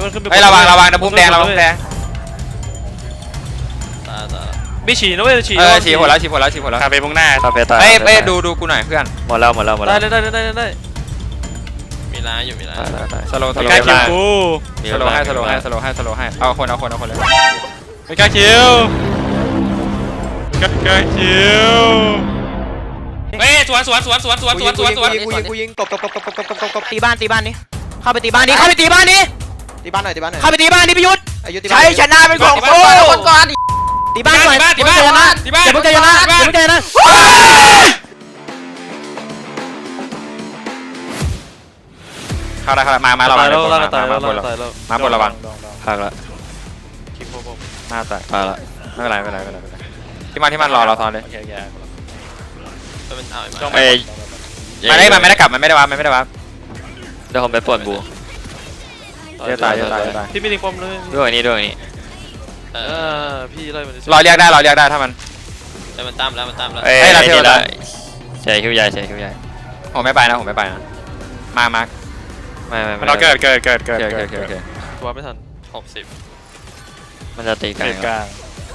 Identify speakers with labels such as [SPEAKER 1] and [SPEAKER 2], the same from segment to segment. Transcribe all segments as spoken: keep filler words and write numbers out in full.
[SPEAKER 1] เฮ้ยระวังระวังนะพุ่มแดงระวังพุ่มแดง
[SPEAKER 2] ไม่ฉี่นะเว้ยฉี่
[SPEAKER 1] เออฉี่หัวแล้วฉี่หัวแล้วฉี่หัวแล้ว
[SPEAKER 2] คาเฟ่มุ่งหน้าคาเฟ่ตาย
[SPEAKER 1] เฮ้ยเฮ้ยดูดูกูหน่อยเพื่อน
[SPEAKER 3] หมดแล้วหมดแล้วหมดแล้ว
[SPEAKER 2] ได้ได้ได้ได้ได้
[SPEAKER 4] มีร้านอยู่มีร้าน
[SPEAKER 1] สโลสโล
[SPEAKER 2] ไม่กล้าคิวกู
[SPEAKER 1] สโลให้สโลให้สโลให้สโลให้เอาคนเอาคนเอาคนเลย
[SPEAKER 2] ไม่กล้าคิวไม่กล้าคิวเฮ้ยสวนสวนสวนสวนสวนสวนสวนสวน
[SPEAKER 5] กูยิงกูยิงกบกบกบกบกบกบกบ
[SPEAKER 6] ตีบ้านตีบ้านนี้เข้าไปตีบ้านนี้เข้าไปตีบ้านนี้
[SPEAKER 5] ตีบ้านหน่อยตีบ้านหน่อย
[SPEAKER 6] เข้าไปตีบ้านนี้พิยุทธ์
[SPEAKER 5] ใช้ชนะเป็นของกูคนก่อน
[SPEAKER 6] ตีบ้านก่อน
[SPEAKER 2] ตีบ้านตีบ้านตีบ้าน
[SPEAKER 6] เดี๋ยวมึงจะชนะเดี๋ยวมึงจะชนะ
[SPEAKER 1] เข้าได้เข้าได้มามาระวังเลยมามาบนมาบนระวัง
[SPEAKER 3] พักละ
[SPEAKER 1] หน้าตาย
[SPEAKER 3] ตายละ
[SPEAKER 1] ไม่เป็นไรไม่เป็นไรไม่เป็นไรที่มันที่มันรอเราซ้อนเลย
[SPEAKER 4] เป็นเอา
[SPEAKER 3] เอ้ย
[SPEAKER 1] มันไม่มันไม่ได้กลับมันไม่ได้วับมันไม่ได้วับ
[SPEAKER 3] เดี๋ยวผมไปปวดบู
[SPEAKER 1] เดี๋ยวตายเดี๋ยวตายตาย
[SPEAKER 2] พี่ไม่ได้ความเลย
[SPEAKER 3] ด้วยนี่ด้วยนี่
[SPEAKER 4] เอ
[SPEAKER 2] เอ
[SPEAKER 4] อ
[SPEAKER 2] อพี่ไล่มัน
[SPEAKER 1] รอเรียกได้รอเรียกได้ถ้ามัน
[SPEAKER 4] แต่มันตามแล้วมันตามแล้ว
[SPEAKER 3] เอ้ยนี่ละใช่คิวใหญ่ใช่คิวใหญ่
[SPEAKER 1] ผมไม่ไปนะผมไม่ไปนะมามาร์ค
[SPEAKER 3] ไม่ไม่
[SPEAKER 2] มันเราเกิดเกิดเกิดเกิด
[SPEAKER 1] โอเคโอเคโอเค
[SPEAKER 2] ตัวไม่ทัน
[SPEAKER 4] หกสิบ
[SPEAKER 3] มันจะตีกัน
[SPEAKER 2] เกิดกลาง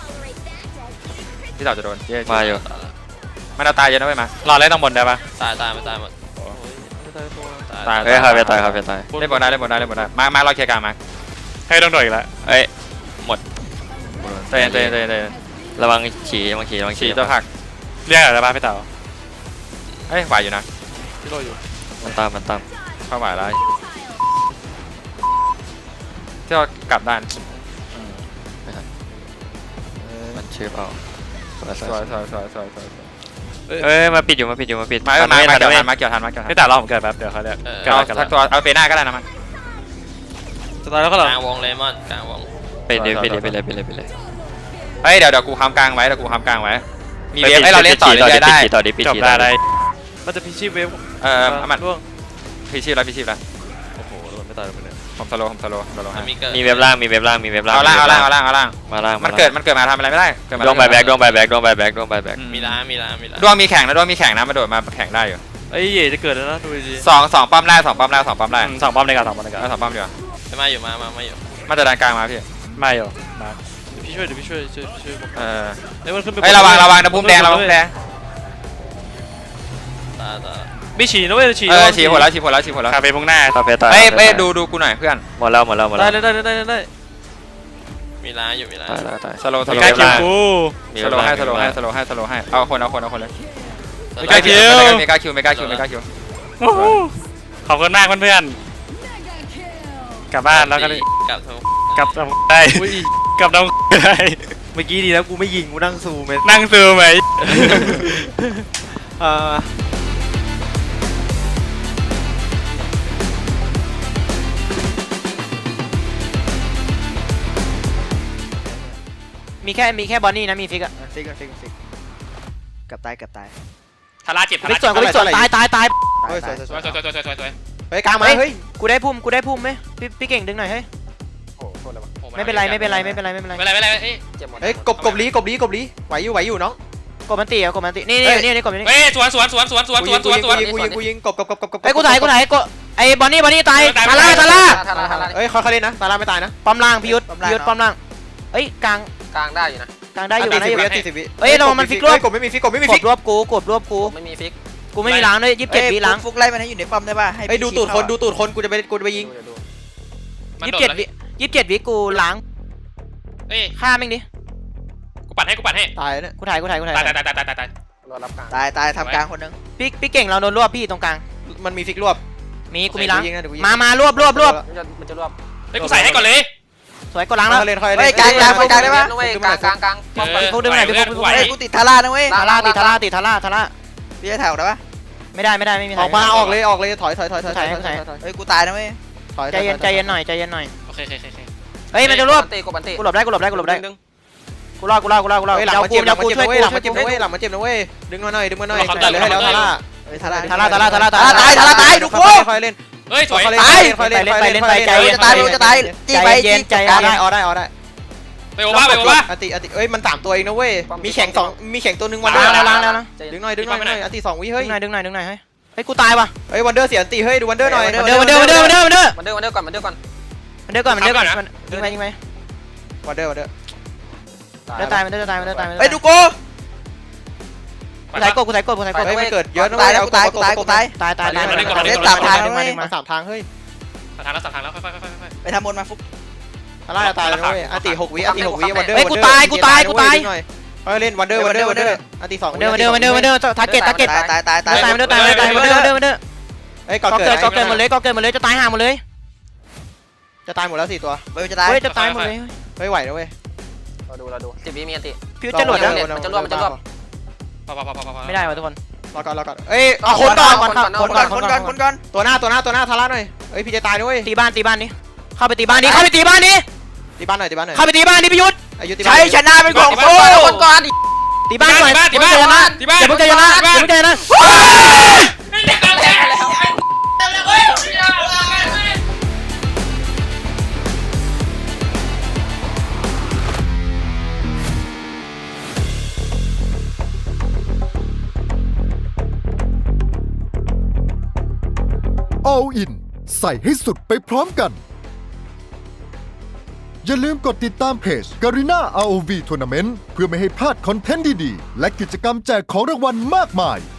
[SPEAKER 1] ที่เราจะโดน
[SPEAKER 3] มาอยู่
[SPEAKER 1] มันเอาตายเยอะนะเว้ยมาร
[SPEAKER 2] อเล่นต้องบนได้ปะ
[SPEAKER 4] ตายตายมันตายหมด
[SPEAKER 1] ตาย
[SPEAKER 3] เฮ้ยคาเฟ่ตายคาเฟ่ตาย
[SPEAKER 1] เล่นบนได้เล่นบนได้เล่นบนได้มามาเราเคลียร์กลางมา
[SPEAKER 2] ให้ต้องโดดอีกแล้ว
[SPEAKER 3] เอ้ยหมด
[SPEAKER 1] เตะเตะเตะเตะ
[SPEAKER 3] ระวังฉี่ระวังฉี่ระวัง
[SPEAKER 1] ฉี
[SPEAKER 3] ฉี่
[SPEAKER 1] ตัวผัก
[SPEAKER 2] เรียกอะไรบ้างพี่เต๋า
[SPEAKER 1] เฮ้ยไหวอยู่นะ
[SPEAKER 2] พี่โรอยู่
[SPEAKER 3] มันตามมันตาม
[SPEAKER 1] เข้าไหวแล้วที่เรากลับด้าน
[SPEAKER 3] มันชื่อเปล่าสวยส
[SPEAKER 1] ส
[SPEAKER 3] ว
[SPEAKER 1] วย
[SPEAKER 3] ย
[SPEAKER 1] สวยสวยสวยสวย
[SPEAKER 3] เอ้ยมาปิดอยู่มาปิดอยู่มาปิด
[SPEAKER 1] มามามาเกี่ยวทันมาเกี่ยวทันมาเกี่ยวทัน
[SPEAKER 2] พี่เต๋าเราผมเกิดแป๊บเดี๋ยวเขาเรียก
[SPEAKER 1] เอาทักตัวเอาเปน่าก็ได้นะมัน
[SPEAKER 2] จะตายแล้วก็หรอก
[SPEAKER 4] ลางวงเลมอนกลางวง
[SPEAKER 3] ไปเลยไปเลยไปเลยไปเลยไปเลย
[SPEAKER 1] เฮ้ยเดี๋ยวเดี๋ยวกูค้ำกลางไว้เดี๋ยวกูค้ำกลางไว้มีเวฟให้เราเล่นต่อเรื่อยๆได้
[SPEAKER 3] ต่อดิปิด
[SPEAKER 2] จบ
[SPEAKER 3] ที
[SPEAKER 2] ได้
[SPEAKER 3] ต่อ
[SPEAKER 2] ได้
[SPEAKER 3] ดิ
[SPEAKER 2] มันจะพิชิตเวฟ
[SPEAKER 1] เออมัน
[SPEAKER 2] ร่วง
[SPEAKER 1] พีชีพแล้วพีชีพแล้ว
[SPEAKER 2] โอ้โหโดนไม่ตายเลยเนี่ย
[SPEAKER 1] ผมสโลผมสโลสโลให้
[SPEAKER 4] มีเกิด
[SPEAKER 3] มีเว็บล่างมีเว็บล่างมีเว็บล่าง
[SPEAKER 1] เอาล่างเอาล่างเอาล่างเอาล่าง
[SPEAKER 3] มาล่าง
[SPEAKER 1] มันเกิดมันเกิดมาทำอะไรไม่ได้เกิดมา
[SPEAKER 3] ดวงใบแบกดวงใบแบกดวงใบแบกดวงใบแบก
[SPEAKER 4] มีร้านมีร้านมีร้าน
[SPEAKER 1] ดวงมีแข่งนะดวงมีแข่งนะมาโดดมาแข่งได้อยู่
[SPEAKER 2] ไอ้เย่จะเกิดแล้วนะดูดี
[SPEAKER 1] สองสองป้อมได้สองป้อมได้สองป้อมได้
[SPEAKER 2] สองป้อมในการสองป้อมในการ
[SPEAKER 1] เอาสองป้อมดีกว่า
[SPEAKER 4] จะมาอยู่มามามาอยู่
[SPEAKER 1] มาจะดันกลางมาพี่
[SPEAKER 2] ไม่หรอมาพี่ช่วยเดี๋ยวพี่ช่วยช่วยช่วย
[SPEAKER 1] เออ
[SPEAKER 2] เฮ้ยมันขึ้นไป
[SPEAKER 1] เฮ้ยระวังระวังนะพุ่มแดงระวังพุ่มแดง
[SPEAKER 4] ตายตาย
[SPEAKER 2] ไม่ฉี่นะเว้ยฉี่
[SPEAKER 1] เออฉี่หัวแล้วฉี่หัวแล้วฉี่หัวแล้ว
[SPEAKER 2] คาเฟ่มุ่งหน้า
[SPEAKER 3] คาเฟ่ตาย
[SPEAKER 1] เฮ้ยเฮ้ยดูดูกูหน่อยเพื่อน
[SPEAKER 3] หมดแล้วหมดแล้วหมด
[SPEAKER 2] ได้
[SPEAKER 3] แล้ว
[SPEAKER 2] ได้ได้ได้ได้
[SPEAKER 4] มีร้านอยู่มีร้าน
[SPEAKER 3] ตายตายตาย
[SPEAKER 1] สโลส
[SPEAKER 2] ไม่
[SPEAKER 1] โล
[SPEAKER 2] กล้าคิวกู
[SPEAKER 1] สโลให้สโลให้สโลให้สโลให้เอาคนเอาคนเอาคนเลย
[SPEAKER 2] ไม่กล้าคิว
[SPEAKER 1] ไม่กล้าคิวไม่กล้าคิวไม่กล้าคิว
[SPEAKER 2] ขอบคุณมากเพื่อนกลับบ้านแล้วก็
[SPEAKER 4] กลับทั้ง
[SPEAKER 2] กลับได้กลับได้
[SPEAKER 5] เมื่อกี้ดีแล้วกูไม่ยิงกูนั่งซูม
[SPEAKER 2] นั่งซูมไหม
[SPEAKER 5] เออ
[SPEAKER 6] มีแค่มีแค่บอนนี่นะมีฟิกอะ
[SPEAKER 5] ฟิกฟิกฟิกกับตายกับตาย
[SPEAKER 2] ทาราเจ็บทา
[SPEAKER 6] ฟิ
[SPEAKER 2] ราก
[SPEAKER 6] ส่วนกูฟิกส่วนตายตายตาย
[SPEAKER 5] เฮ้ยสวยส
[SPEAKER 2] ส
[SPEAKER 5] ว
[SPEAKER 2] วย ยสวยสวยสวยสวยสวย
[SPEAKER 5] เฮ้ยกลางมาเฮ้ย
[SPEAKER 6] กูได้พุ่มกูได้พุ่มไหมพี่พี่เก่งดึงหน่อยเฮ้ย
[SPEAKER 5] โอ้โหโทษแล้ว
[SPEAKER 6] ไม่เป็นไรไม่เป็นไรไม่เป็นไรไม่เป็นไร
[SPEAKER 4] ไม่เป็นไรไม่เป็นไรเอ้ยเจ็บหมด
[SPEAKER 5] เฮ้ยกบกบลีกบลีกบลีไหวอยู่ไหวอยู่น้อง
[SPEAKER 6] กดมันตีอะกดมันตีนี่นี่นี่นี่กดมันตี
[SPEAKER 2] เฮ้ยสวนสวนสวนสวนสวนสวนสวนสวน
[SPEAKER 5] กูยิงกูยิงกบกบกบกบ
[SPEAKER 6] ไอ้กูถ่ายกูถ่ายกดไอ้บอนนี่บอนนี่ตายทาร่าทาร่า
[SPEAKER 4] ทาราทารา
[SPEAKER 5] เฮ้ยเขาเขาเล่นนะตาลาไม่ตายนะ
[SPEAKER 6] ป้อมล่างพิยุทธพิยุทธป้อมล่างเอ้ยกลาง
[SPEAKER 4] กลางได้อยู่นะ
[SPEAKER 6] กลางได้อยู่
[SPEAKER 5] ตี
[SPEAKER 6] ได้
[SPEAKER 5] สิ
[SPEAKER 6] อบ ยู่
[SPEAKER 5] วิตีสิบวิกบไม่มีฟิกกบไม่มี
[SPEAKER 6] ก
[SPEAKER 5] ฟิ
[SPEAKER 6] ด
[SPEAKER 5] ก
[SPEAKER 6] รวบกูกดรวบกู
[SPEAKER 4] ไม่มีฟิก
[SPEAKER 6] กูไม่มีล้างด้วยยี่สิบเจ็ดวิล้าง
[SPEAKER 7] ฟุกไล่มันให้อยู่ในปั๊มได้ป่ะให้
[SPEAKER 5] ไอ้ดูตูดคนดูตูดคนกูจะไปกูจะไปยิง
[SPEAKER 6] ยี่สิบเจ็ดวิยี่สิบเจ็ดวิกูล้าง
[SPEAKER 2] เฮ้ย
[SPEAKER 6] ฆ่าแม่งดิ
[SPEAKER 2] กูปัดให้กูปัดให้
[SPEAKER 5] ตายเนี่ย
[SPEAKER 6] กูถ่ายกูถ่ายกูถ่าย
[SPEAKER 2] ตายตายตายตายตายตาย
[SPEAKER 4] รอรับกลาง
[SPEAKER 7] ตายตายทำกลางคนนึง
[SPEAKER 6] พี่พี่เก่งเราโดนรวบพี่ตรงกลาง
[SPEAKER 5] มันมีฟิกรวบ
[SPEAKER 6] มีกูมีล้าง
[SPEAKER 5] ยิงนะเดี๋ยวกูยิง
[SPEAKER 6] มามารวบรวบรวบ
[SPEAKER 4] มันจะมันจะรวบ
[SPEAKER 2] เฮ้ยกูใส่ให้ก่อนเลย
[SPEAKER 6] สวยกดล้างแล้ว
[SPEAKER 5] เขาเล่นเขา
[SPEAKER 7] เฮ้
[SPEAKER 5] เล่
[SPEAKER 7] ย
[SPEAKER 5] น
[SPEAKER 7] กลางกลางกลางได้ป่ะ
[SPEAKER 4] เว้ยกลางกลางกลาง
[SPEAKER 6] พวกดึงหน่อยพี่พวกพี่พวก
[SPEAKER 7] เฮ้ยกูติดทาร่านะเว้ย
[SPEAKER 6] ทาร่าติดทาร่าติดทาร่าทาร่า
[SPEAKER 7] พี่จะถ่ายออกได้ป่ะ
[SPEAKER 6] ไม่ได้ไม่ได้ไม่มี
[SPEAKER 5] ออกมาออกเลยออกเลยถอยถอยถอยถอยถอยถอยถอย
[SPEAKER 7] เฮ้ยกูตายนะเว้ย
[SPEAKER 5] ถอย
[SPEAKER 6] ใจเย็นใจเย็นหน่อยใจเย็นหน่อย
[SPEAKER 2] โอเคโอเคโอเค
[SPEAKER 6] เฮ้ยมันจะรวบ
[SPEAKER 4] ตีกบันตี
[SPEAKER 6] กูหลบได้กูหลบได้กูหลบได้กูรอดกูรอดกูรอดกูรอด
[SPEAKER 5] เฮ้ยหลัง
[SPEAKER 6] เจ้า
[SPEAKER 5] มา
[SPEAKER 6] กู
[SPEAKER 5] เจ็บหลั
[SPEAKER 6] เจ้าง กู
[SPEAKER 5] มาเจ็บ
[SPEAKER 6] ช่วย
[SPEAKER 5] นะ
[SPEAKER 6] กู
[SPEAKER 5] เว้ยหลัง
[SPEAKER 6] ช่วย
[SPEAKER 5] มา
[SPEAKER 6] กู
[SPEAKER 5] เจ็บนะเว้ยหลังมาเจ็บนะเว้ยดึงมาหน่อยดึงมาหน่อยเลยให้แล้วทาร่า
[SPEAKER 7] เฮ้ยทาร่า
[SPEAKER 6] ทาร่าทาร่าทาร่า
[SPEAKER 7] ทาร่าตายทาร่าตายดูกู
[SPEAKER 5] ค่อยเล่น
[SPEAKER 2] เฮ้ยสวย
[SPEAKER 5] ค่อยเล่นค่อยเล่นค่อยเล่นค่อยเล่น
[SPEAKER 7] เฮ้ยจะตายจะตายจี้ไปจี้
[SPEAKER 5] ออได้ออได้ออได้
[SPEAKER 2] ไปโอบ้าไปโอบ้า
[SPEAKER 5] อติอติเอ้ยมันสามตัวเองนะเว้ยมีแข่งสองมีแข่งตัวหนึ่งวันเดอ
[SPEAKER 6] ล้าง
[SPEAKER 5] ร์
[SPEAKER 6] แล้วล้างแล้วนะ
[SPEAKER 5] ดึงหน่อยดึงหน่อยหน่อยอติสองวิ
[SPEAKER 6] ดึ
[SPEAKER 5] เฮ้ย
[SPEAKER 6] งหน่อยดึงหน่อยดึงหน่อยเฮ้ยเฮ้ยกูตายว่ะ
[SPEAKER 5] เฮ้ยวันเดอร์เสียอติเฮ้ยดูวันเดอร์หน่อย
[SPEAKER 6] วันเดอร์วันเดอร์วันเดอร์วันเดอร์วันเดอร์
[SPEAKER 4] มันเดือดมันเดือดก่อนมันเดือดก่อน
[SPEAKER 6] มันเดินก่อนมันเดินก่อนมันยิงไปยิงไป
[SPEAKER 5] วันเดอร์วันเดอร์
[SPEAKER 6] เดินตายมันเดินตายมันเดินตายมัน
[SPEAKER 7] เฮ้ยดูกู
[SPEAKER 6] กูใส่กดกูใส่กดกูใส่กด
[SPEAKER 5] เฮ้ยมันเกิดเยอะนะ
[SPEAKER 7] ตาย
[SPEAKER 5] เว้ย
[SPEAKER 7] แล้วกูตายกูตายกูตาย
[SPEAKER 6] ตายตายตาย
[SPEAKER 7] เล่นสามทางแล้วเว้ย
[SPEAKER 5] มาสามทางเฮ้ย
[SPEAKER 2] สามทางแล้วสามทางแล้วค่อยๆค่อยๆค่อย
[SPEAKER 7] ไปทำบนมาฟุก
[SPEAKER 5] อะไรตายแล้วเว้ยอันตีหกวิอันตีหกวิวันเดอร์
[SPEAKER 6] เฮ้ยกูตายกูตายกูตาย
[SPEAKER 5] เฮ้ยเล่นวันเดอร์วันเดอร์วันเดอร์อันตีสอง
[SPEAKER 6] มันเดินมันเดินมันเดินมันเดินทาร์เก็ตทาร์เก็ต
[SPEAKER 7] ตายตายตาย
[SPEAKER 6] ตายตายมันเดินตายมันเดินตายมันเดินมันเดินมันเดิน
[SPEAKER 5] เฮ้ย
[SPEAKER 6] ก็
[SPEAKER 5] ก่อ
[SPEAKER 6] เกิ
[SPEAKER 5] เกิ
[SPEAKER 6] ด
[SPEAKER 5] ด
[SPEAKER 6] ก็เกิดหมดเลยก็เกิดหมดเลยจะตายห่าหมดเลย
[SPEAKER 5] จะตายหมดแล้วสี่ตัว
[SPEAKER 7] เฮ้ยจะตาย
[SPEAKER 6] เฮ้ยจะตายหมดเลย
[SPEAKER 5] เฮ้ยไหวนะเว้ย
[SPEAKER 4] เราดูเราดูสิบวิมีอันติ
[SPEAKER 6] ฟิวจะหลุดนะ
[SPEAKER 4] มันจะรวบมันจะรวบ
[SPEAKER 2] ๆพอพอพอพอพอ
[SPEAKER 6] ไม่ได้ว่ะทุกคน
[SPEAKER 5] รอก่อนรอก่อนเอ้ยเอาคนก่อน
[SPEAKER 7] คนก่อนคนก่อนคนก่อนคนก่อน
[SPEAKER 5] ตัวหน้าตัวหน้าตัวหน้าทาร่าหน่อยเฮ้ยพี่จะตายนะเว้ย
[SPEAKER 6] ตีบ้านตีบ้านนี้เข้าไปตีบ้านนี้เข้าไปตีบ้านนี้
[SPEAKER 5] ตีบ้านหน่อยตีบ้านหน่อย
[SPEAKER 6] เข้าไปตีบ้านนี้พิยุทธ
[SPEAKER 5] อายุตีบ้า
[SPEAKER 7] ใช้
[SPEAKER 5] น
[SPEAKER 7] ชนะเป็นของกู
[SPEAKER 4] คนก่อนดิ
[SPEAKER 6] ตีบ้านก่อน
[SPEAKER 2] ตีบ้านตีบ้านตีบ้าน
[SPEAKER 6] อย่าเพิ่งใจเย็นนะอย่าเพิ่งใจเย็นนะ
[SPEAKER 8] All In ใส่ให้สุดไปพร้อมกัน อย่าลืมกดติดตามเพจ Garena อาร์ โอ วี Tournament เพื่อไม่ให้พลาดคอนเทนต์ดีๆ และกิจกรรมแจกของรางวัลมากมาย